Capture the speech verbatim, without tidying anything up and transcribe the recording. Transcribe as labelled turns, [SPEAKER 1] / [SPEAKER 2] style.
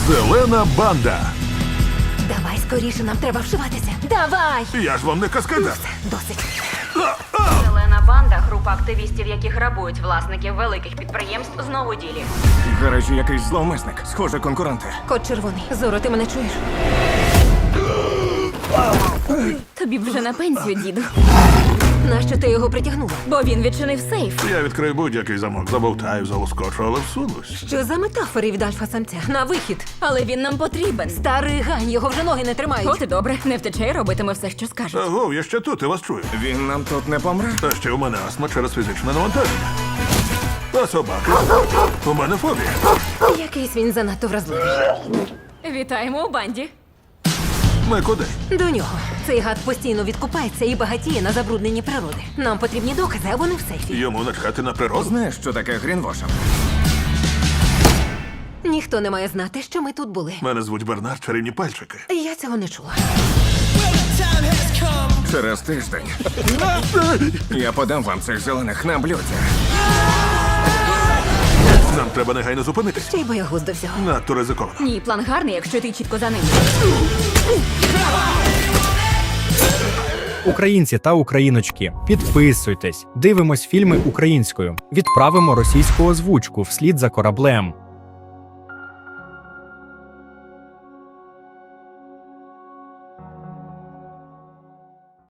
[SPEAKER 1] Зелена банда.
[SPEAKER 2] Давай скоріше, нам треба вшиватися. Давай!
[SPEAKER 1] Я ж вам не каскадер.
[SPEAKER 2] Досить.
[SPEAKER 3] Зелена банда – група активістів, які грабують власників великих підприємств знову ділі.
[SPEAKER 4] В гаражі якийсь зловмисник. Схоже, конкуренти.
[SPEAKER 2] Кот червоний. Зоро, ти мене чуєш?
[SPEAKER 5] Тобі б вже на пенсію, діду.
[SPEAKER 2] Нащо ти його притягнула?
[SPEAKER 5] Бо він відчинив сейф.
[SPEAKER 1] Я відкрию будь-який замок, забовтаю, залоскочу, але всунусь.
[SPEAKER 2] Що за метафори від альфа-самця? На вихід.
[SPEAKER 5] Але він нам потрібен.
[SPEAKER 2] Старий гань, його вже ноги не тримають.
[SPEAKER 5] От і добре, не втече і робитиме все, що скаже.
[SPEAKER 1] Аго, я ще тут, я вас чую.
[SPEAKER 4] Він нам тут не помре?
[SPEAKER 1] Та ще у мене астма через фізичне навантаження. А собаки? У мене фобія.
[SPEAKER 2] Якийсь він занадто вразливий.
[SPEAKER 5] Вітаємо у банді.
[SPEAKER 1] Ми куди?
[SPEAKER 2] До нього. Цей гад постійно відкупається і багатіє на забрудненні природи. Нам потрібні докази, а вони в сейфі.
[SPEAKER 1] Йому начхати на природу?
[SPEAKER 4] Знаєш, що таке грінвошинг?
[SPEAKER 2] Ніхто не має знати, що ми тут були.
[SPEAKER 1] Мене звуть Бернард, чарівні пальчики.
[SPEAKER 2] Я цього не чула.
[SPEAKER 4] Через тиждень я подам вам цих зелених на блюді.
[SPEAKER 1] Нам треба негайно зупинитись.
[SPEAKER 2] Ще й боягуз до всього.
[SPEAKER 1] Надто ризиковано.
[SPEAKER 5] Ні, план гарний, якщо ти чітко за ним.
[SPEAKER 6] Українці та україночки, підписуйтесь, дивимось фільми українською, відправимо російську озвучку вслід за кораблем.